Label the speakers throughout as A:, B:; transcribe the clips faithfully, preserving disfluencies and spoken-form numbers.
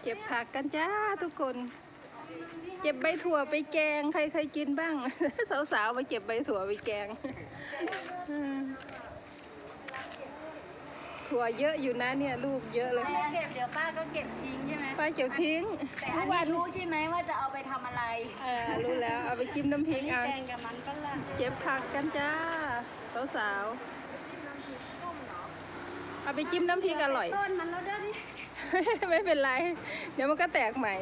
A: เก็บผักกันจ้าทุกคนเก็บใบถั่วไปแกงใครเคยกินบ้าง สาวๆมาเก็บใบถั่วไปแกง ถั่วเยอะอยู่นะเนี่ยลูกเยอะเลย
B: เก็บเดี๋ยวป้าก็เก็บทิ้งใช่ไหม
A: ป้าเก็บทิ้ง
B: แต่อันนี้รู้ใช่ไหมว่าจะเอาไปทำอะไร
A: เออรู้แล้วเอาไปจิ้มน้ำพริกเอา
B: แกงกับมันก็ละ
A: เก็บผักกันจ้าสาวๆเอาไปจิ้มน้ำพริกอร่อย
B: ต้นมันแล้วเด้อนี่
A: ไม่เป็นไรเดี๋ยวมันก็แตกใหม่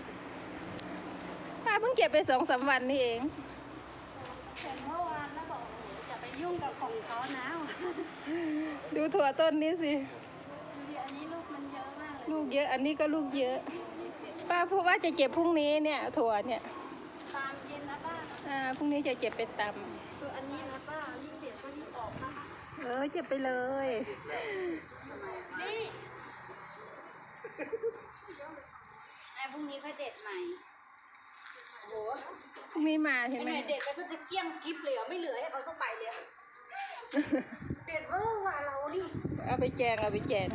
A: ป้าเพิ่งเก็บไปสองสามวันนี่เอง
B: เห็นเมื่อวานแล้วบอกจะไปยุ่งกับของเขานะ
A: ดูถั่วต้นนี้สิ
B: ดูดิอันนี้ลูกมันเยอะมาก
A: ลูกเยอะอันนี้ก็ลูกเยอะป้าเพราะว่าจะเก็บพรุ่งนี้เนี่ยถั่วเนี่ย
B: ตามเย็นนะป้า
A: อ่าพรุ่งนี้จะเก็บไปต
B: ำคืออันนี้นะป้ายิ่งเด็ดก็ยิ่งออกมา
A: เออเก็บไปเลย
B: นี่ไอ้พรุ่งนี้ค่อยเด็ดใหม่โอ้
A: พรุ่งนี้มาใช่ไหม
B: เด็ดไปก็จะเกี้ยงกิฟเลยอ่ะไม่เหลือให้เขาสักใบเลยเด็ดเวอร์ว่ะเราดิ
A: เอาไปแจงเอาไปแจง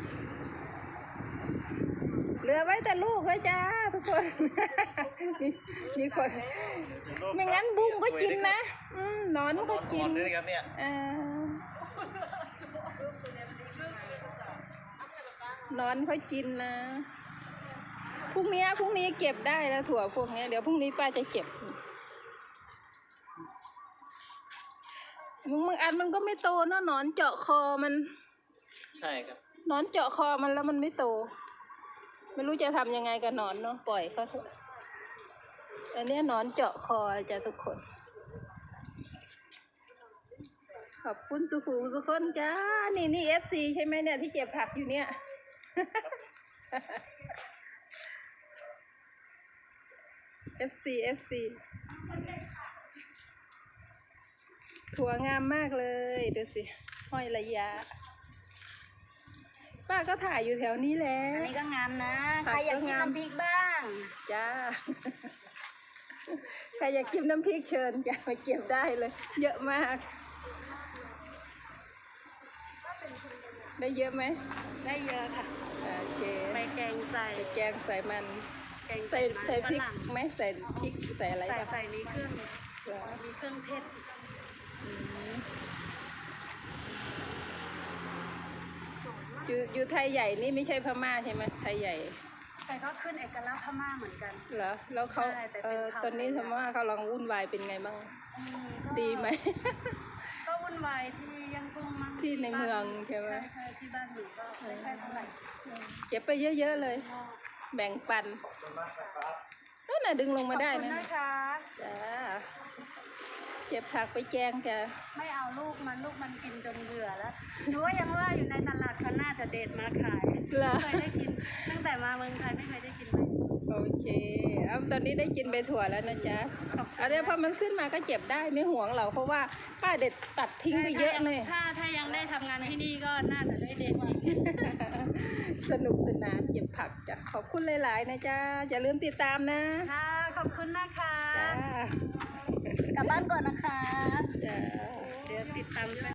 A: เหลือไว้แต่ลูกเลยจ้าทุกคน มีมีคนไม่งั้นบุ้งก็กินนะอืมนอนก็กิน
C: ด้วยครับเนี่ย
A: อ่านอนเขากินนะพรุ่งนี้พรุ่งนี้เก็บได้แล้วถั่วพวกนี้เดี๋ยวพรุ่งนี้ป้าจะเก็บมึงบางอันมันก็ไม่โตเนาะหนอนเจาะคอมัน
C: ใช่ครับ
A: หนอนเจาะคอมันแล้วมันไม่โตไม่รู้จะทำยังไงกับหนอนเนาะปล่อยเขาเถอะอันนี้หนอนเจาะคอจ้ะทุกคนขอบคุณสุขุมสุขคนจ้านี่นี่เอฟซีใช่ไหมเนี่ยที่เก็บผักอยู่เนี่ยเอฟซีเอฟซีถั่วงามมากเลยดูสิห้อยระยะป้าก็ถ่ายอยู่แถวนี้แหละ
B: อันนี้ก็งามนะใครอยากกินน้ำพริกบ้าง
A: จ้าใครอยากกินน้ำพริกเชิญจ้าไปเก็บได้เลยเยอะมากได้เยอะไหม
B: ได้เยอะค่ะ
A: โอเค
B: ไปแกงใส่
A: ไปแกงใส่มันใส่ใส่พริกไหมใส่พริกใส่อะไร
B: ใส่ใส่มีเครื่องมีเครื่องเทศ
A: อยู่อยู่ไทยใหญ่นี่ไม่ใช่พม่าใช่ไหมไทยใหญ่
B: แต่ก็ขึ้นเอกลักษณ์พม่าเหมือนกัน
A: เหรอแล้วเขาเออตอนนี้พม่าเขาลองวุ่นวายเป็นไงบ้างดีไหม
B: ก็วุ่นวายที่ยังคงมั่ง
A: ที่ในเมืองใช่ไหม
B: ใช่ที่บ้านหนูก็ไม่ค่อยเท่าไหร่
A: เก็บไปเยอะๆเลยแบ่งปันนั่นน่ะดึงลงมาได้นะ
B: นะคะ
A: จ้าเก็บผักไปแกงจ้ะ
B: ไม่เอาลูกมันลูกมันกินจนเบื่อแล้วหนูว่ายังว่าอยู่ในตลาดเขาน่าจะเด็ดมาขายไม่เคยได้กินตั้งแต่มาเมืองไทยไม่เคยได้กินเลย
A: โอเคเอาตอนนี้ได้กินใบถั่วแล้วนะจ๊ะเอาเดี๋ยวพอมันขึ้นมาก็เก็บได้ไม่ห่วงเราเพราะว่าป้าเด็ดตัดทิ้งไปเยอะเลย
B: ถ้าถ้ายังได้ทำงานที่นี่ก็น่าจะได้เด็ดอีก
A: สนุกสนานเก็บผักจ้ะขอบคุณหลายๆนะจ๊ะอย่าลืมติดตามนะ
B: ค่ะขอบคุณนะคะ
A: จ้าก
B: ลับบ้านก่อนนะคะ
A: จ้า
B: เดี๋ยวติดตาม